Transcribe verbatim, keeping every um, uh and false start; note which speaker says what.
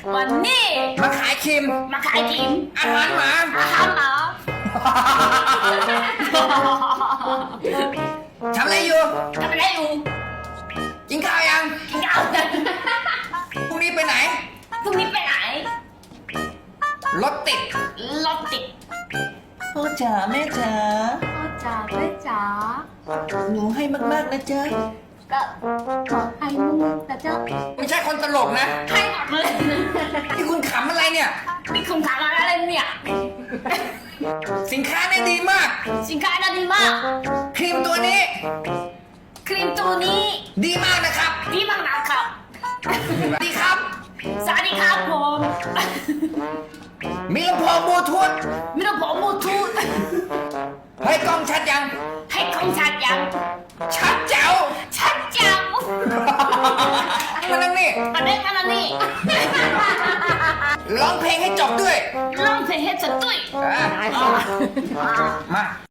Speaker 1: วันนี้
Speaker 2: มาขายครีม
Speaker 1: มาขายครีม
Speaker 2: อาหารหมา
Speaker 1: อาหารหมา
Speaker 2: ทำอะไรอยู่
Speaker 1: ทำอะไรอยู่
Speaker 2: กินข้าวยัง
Speaker 1: กินข้าวยัง
Speaker 2: พรุ่งนี้ไปไหน
Speaker 1: พรุ่งนี้ไปไหน
Speaker 2: รถติด
Speaker 1: รถติด
Speaker 2: พ่อจ๋าแม่จ๋า
Speaker 1: พ่อจ๋าแม่จ๋า
Speaker 2: หนูให้มากๆนะจ๊ะ
Speaker 1: ก็บอกให้มึงแต่เจ้า
Speaker 2: ไม่ใช่คนตลกนะ
Speaker 1: ให้หมดเลย
Speaker 2: ที่คุณขำอะไรเนี่ย
Speaker 1: นี่คุณถามอะไรเนี่ย
Speaker 2: สินค้าเนี่ยดีมาก
Speaker 1: สินค้าน่าดีมาก
Speaker 2: ครีมตัวนี้
Speaker 1: ครีมตัวนี้
Speaker 2: ดีมากนะครับ
Speaker 1: ดีมากนะครับ
Speaker 2: ดีครับ
Speaker 1: สวัสดีครับผม
Speaker 2: มีลำโพงบลูทูธ
Speaker 1: มีลำโพงบลูทูธ
Speaker 2: ให้กล้องชัดยัง
Speaker 1: ให้กล้องชัดยัง
Speaker 2: ชัดแจ๋ว
Speaker 1: ชัดแจ๋ว
Speaker 2: มานั่งนี่
Speaker 1: มาเล่นมาแล้วนี่
Speaker 2: ร้องเพลงให้จบด้วย
Speaker 1: ร้องเพลงให้จบด้วย
Speaker 2: มา